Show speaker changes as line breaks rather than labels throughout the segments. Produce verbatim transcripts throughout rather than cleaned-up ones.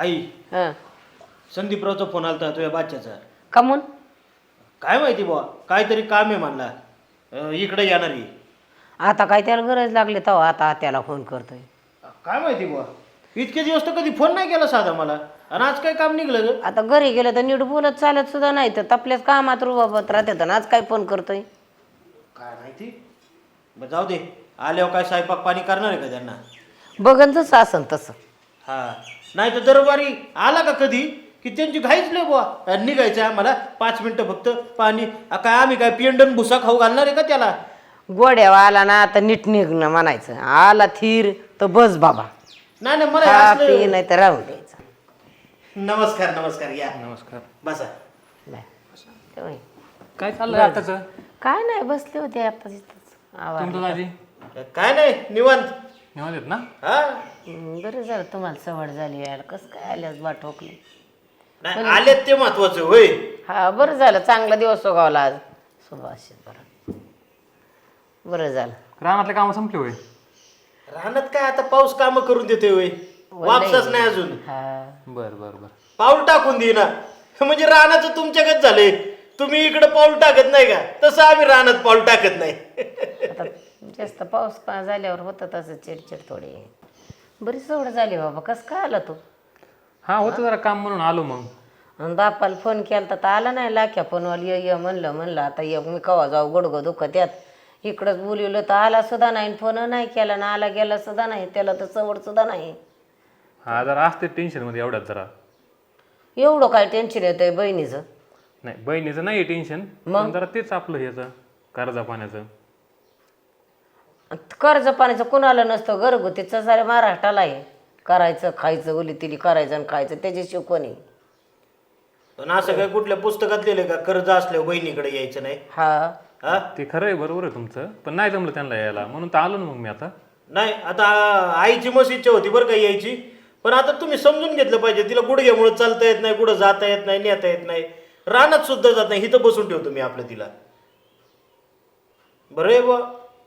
आई
हां
संदीपरावचा फोन आलता तुझ्या बाच्याचा.
कमून
काय माहिती बुवा काहीतरी काम आहे म्हणला. अं, इकडे येणार आहे.
आता काय त्याला गरज लागली तेव्हा आता त्याला फोन करतोय.
काय माहिती बुवा इतके दिवस तर कधी फोन नाही केला साधा मला. आणि आज काय काम निघलं ग?
आता घरी गेलं तर नीट बोलत चालत सुद्धा नाही तर आपल्याच कामात रुबाबत राहते तर आज काय फोन करतोय.
काय माहिती. बरं जाऊ दे. आल्यावर काय स्वयंपाक पाणी करणार आहे का त्यांना?
बघन जसं असन तसं.
हा नाही तर दरबारी आला का कधी की त्यांची घाईच नाही बुवा. निघायचं आम्हाला पाच मिनिटं फक्त पाणी. आ, काय आम्ही काय पिंडन भुसा खाऊ घालणार आहे का त्याला?
गोड्यावा आला ना तर नीट निघणं म्हणायचं. आला थीर तर बस बाबा.
नाही नाही मला
खा
असलं-
पी नाही तर राहून द्यायचं.
नमस्कार नमस्कार या
नमस्कार.
बसा.
नाही. तेव्हा
काय चाललंय आताच
काय नाही बसले होते आता तिथंच आवाज.
तुमचं दाजी
काय नाही निवांत.
निवांत आहेत ना?
हा
बरं झालं तुम्हाला सवड झाली यायला. कसं काय आल्यास बा ठोकली.
नाही आलेत ते महत्वाचं होय.
हा बरं झालं चांगला दिवस उगावला आज. सुभाष बरं बरं झालं.
रानातले कामं संपले होय?
राहण्यात काय आता पाऊस काम करून देतोय होय. वापसच नाही अजून.
हा
बर बर बर.
पाऊल टाकून देईना. म्हणजे रानाचं तुमच्याकडे झालंय. तुम्ही इकडे पाऊल टाकत नाही का तसं आम्ही रानात पाऊल टाकत नाही.
आता जास्त पाऊस पा झाल्यावर होतं तसं चिडचिड थोडी. बरी सवड झाली बाबा. कसं काय आला तू?
हा होतं जरा काम म्हणून आलो मग.
आणि बापाला फोन केला तर आला नाही. लाख्या फोनवाला ये ये म्हणलं म्हणलं आता ये मी कवा जाऊ गुडगं दुखत यात. इकडंच बोलवलं तर आला सुद्धा नाही. फोन नाही केला ना आला गेला सुद्धा नाही. त्याला तर सवड सुद्धा नाही.
हा जरा असते टेन्शन मध्ये एवढ्यात जरा.
एवढं काय टेन्शन येतंय बहिणीचं?
नाही बहिणीचं नाही टेन्शन पण जरा तेच आपलं ह्याचं कर्जा पाण्याचं.
कर्ज पाण्याचं कुणाला नसतं. घरगुतीचं सारे महाराष्ट्राला आहे. करायचं खायचं उली तिली करायचं आणि खायचं त्याच्याशिवाय कोणी.
पण असं काय कुठल्या पुस्तकात लिहिलं का कर्ज असल्यावर बहिणीकडे यायचं नाही?
हा
हा
ते खरं आहे बरोबर आहे तुमचं पण नाही जमलं त्यांना यायला म्हणून तर आलो ना मग मी आता.
नाही आता आईची मस्त इच्छा होती बरं का यायची. पण आता तुम्ही समजून घेतलं पाहिजे. तिला गुडघ्यामुळे चालता येत नाही कुठं जाता येत नाही नेता येत नाही. रानात सुद्धा जात नाही. इथं बसून ठेवतो मी आपलं तिला. बरं आहे बुवा.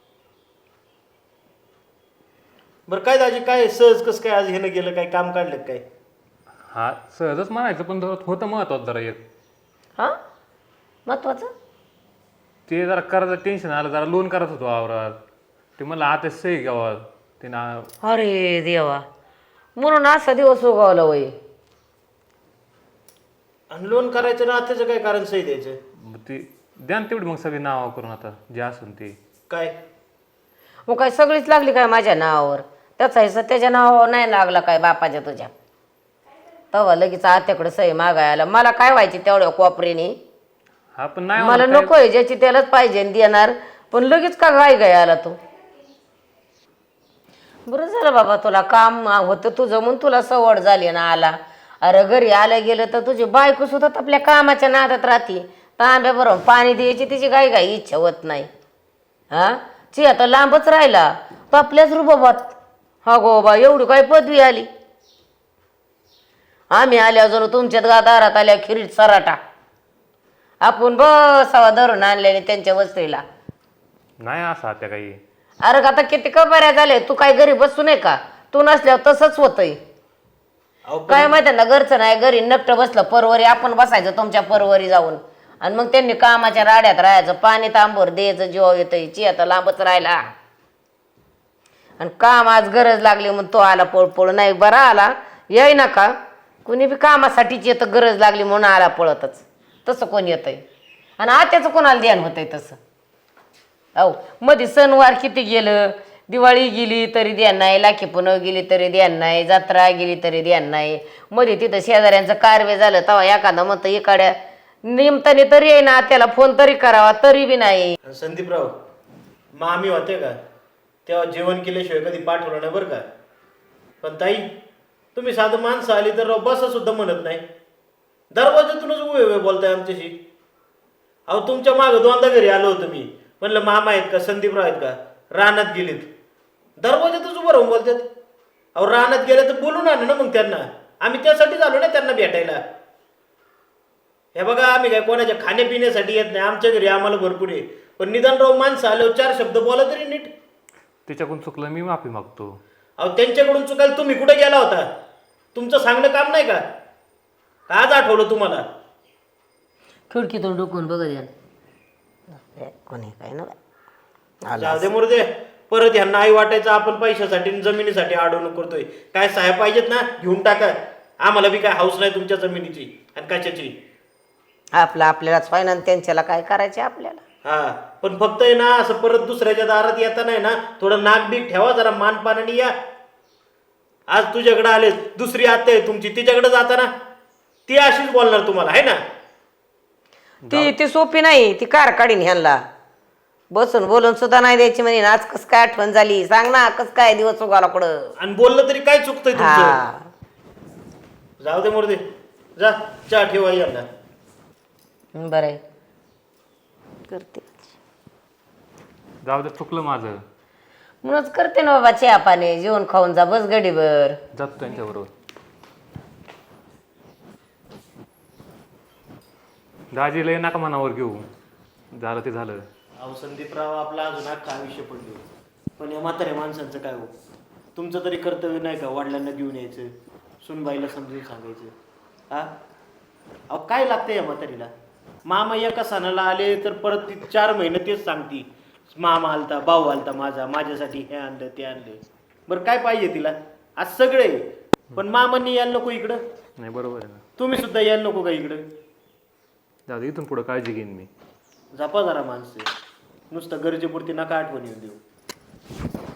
बरं काय दाजी काय सहज कसं काय आज हेनं गेलं काय काम काढलं काय?
हा सहजच म्हणायचं पण जरा होतं महत्वाचं जरा एक.
हा महत्वाचं
ते जरा कर्ज टेन्शन आलं जरा लोन करत होतो वावरात. ते मला आता सही घ्यावं ते ना.
अरे देवा म्हणून असा दिवस उगवला वय.
आणि लोन करायचं ना त्याचं काय कारण सही द्यायचं?
मग ते द्या ना तेवढी मग सगळी नाव करून आता जे असून ते.
काय
मग काय सगळीच लागली काय माझ्या नावावर? त्याचा हिस्सा त्याच्या नावावर नाही लागला काय बापाच्या तुझ्या? तेव्हा लगेच आत्याकडे सही मागायला मला काय व्हायची तेवढ्या कोपरीने?
हा पण नाही
मला
होणार काय-
नकोय ज्याची त्यालाच पाहिजे आणि देणार. पण लगेच का गाय गाय आला तू? बरं झालं बाबा तुला काम होतं तुझं म्हणून तुला सवड झाली ना आला. अरे घरी आलं गेलं तर तुझी बायको सुद्धा आपल्या कामाच्या नादात राहते. तांब्या बरोबर पाणी द्यायची तिची गाय गाय इच्छा होत नाही. हा ची आता लांबच राहिला तो आपल्याच रुबाबात. हा गो बा एवढी काय पदवी आली. आम्ही आल्या अजून तुमच्यात गा दारात आल्या खिरीत सराटा. आपण बसावा धरून आणल्याने त्यांच्या वस्तीला.
नाही असं त्या काही.
अरे आता किती कबऱ्या झाले. तू काय घरी बसू नये का? तू नसल्यावर तसंच होतंय.
अहो, पण-
काय माहिती ना घरचं नाही घरी नकट बसलं परवरी आपण बसायचं तुमच्या परवरी जाऊन. आणि मग त्यांनी कामाच्या राड्यात राहायचं. पाणी तांबर द्यायचं जीव येतंय. ची आता लांबच राहिला. आणि काम आज गरज लागली म्हणून तो आला पळपळ. नाही बरा आला येई ना का कुणी बी कामासाठीच येतं. गरज लागली म्हणून आला पळतच. तसं कोण येतंय? आणि आत्याचं कोणाला ध्यान होतंय तसं? अहो मध्ये सणवार किती गेलं. दिवाळी गेली तरी ध्यान नाही. लाखी पुनव गेली तरी ध्यान नाही. जत्रा गेली तरी ध्यान नाही. मध्ये तिथं शेजाऱ्यांचं कारवे झालं तेव्हा एखादं म्हणतं इकाड्या निमताने तरी आहे ना त्याला फोन तरी करावा तरी बी नाही.
संदीपराव मामी होते का तेव्हा जेवण केल्याशिवाय कधी पाठवलं नाही बरं का. पण ताई तुम्ही साधं माणसं आली तर राव बसा सुद्धा म्हणत नाही. दरवाजातूनच उभे उभे बोलताय आमच्याशी. अहो तुमच्या मागं दोनदा घरी आलो होतो मी. म्हणलं मामा आहेत का संदीपराव आहेत का रानात गेलीत. दरवाजातच उभं राहून बोलतात. अहो रानात गेले तर बोलून आणू ना मग त्यांना. आम्ही त्यासाठीच आलो ना त्यांना भेटायला. हे बघा आम्ही काय कोणाच्या खाण्यापिण्यासाठी येत नाही. आमच्या घरी आम्हाला भरपूर आहे. पण निदानराव माणसं आल्यावर चार शब्द बोला तरी नीट.
त्याच्याकडून चुकलं मी माफी मागतो.
अहो त्यांच्याकडून चुकायला तुम्ही कुठे गेला होता? तुमचं सांगणं काम नाही का? का आज आठवलं तुम्हाला?
खिडकीतून डुकून बघत या कोणी काय ना
जाऊ दे मुर्दे, परत ह्यांना आई वाटायचं आपण पैशासाठी आणि जमिनीसाठी अडवणूक करतोय. काय साहेब पाहिजेत ना, घेऊन टाका. आम्हाला बी काय हाऊस नाही तुमच्या जमिनीची आणि कशाची.
आपलं आपल्यालाच फायनान त्यांच्याला काय करायचे आपल्याला.
हा, पण फक्त आहे ना असं परत दुसऱ्याच्या दारात येता नाही ना, थोडं नाक बीक ठेवा, जरा मान पानाने या. आज तुझ्याकडे आले, दुसरी आत्या आहे तुमची, तिच्याकडे जाता ना ती अशीच बोलणार तुम्हाला, आहे ना?
ती ती सोपी नाही, ती कार काढीन ह्यांना. बसून बोलून सुद्धा नाही द्यायची म्हणे. आज कस काय आठवण झाली सांग ना, कस काय दिवस उगाला कुठं.
आणि बोललं तरी काय चुकतंय तुमचं?
हा
जाऊ दे मुर्दे, जा चहा ठेवा यांना.
बरं आहे करते
जाऊ दे, चुकलं माझं.
म्हणूनच करते ना बाबा चहा पाणी, जेवण खाऊन जा बस गडीभर.
जातो त्यांच्याबरोबर. दाजी लय नका मनावर घेऊ, झालं ते झालं.
अहो संदीपराव, आपला अजून अख्खा आयुष्य पडले, पण या म्हाताऱ्या माणसांचं काय हो? तुमचं तरी कर्तव्य नाही का वडिलांना घेऊन यायचं, सुनबाईला समजून सांगायचं? हा, अहो काय लागतं या म्हातारीला? मामा एका सणाला आले तर परत ती चार महिने तेच सांगती, मामा आलता, भाऊ आलता माझा, माझ्यासाठी हे आणलं ते आणलं. बरं काय पाहिजे तिला? आज सगळे, पण मामांनी यायला नको इकडं?
नाही बरोबर आहे ना.
तुम्ही सुद्धा यायला नको का इकडं?
जाऊ दे, इथून पुढं काळजी घेईन मी.
जपा जरा माणसं, नुसतं गरजेपुरती नका आठवण येऊन देऊ.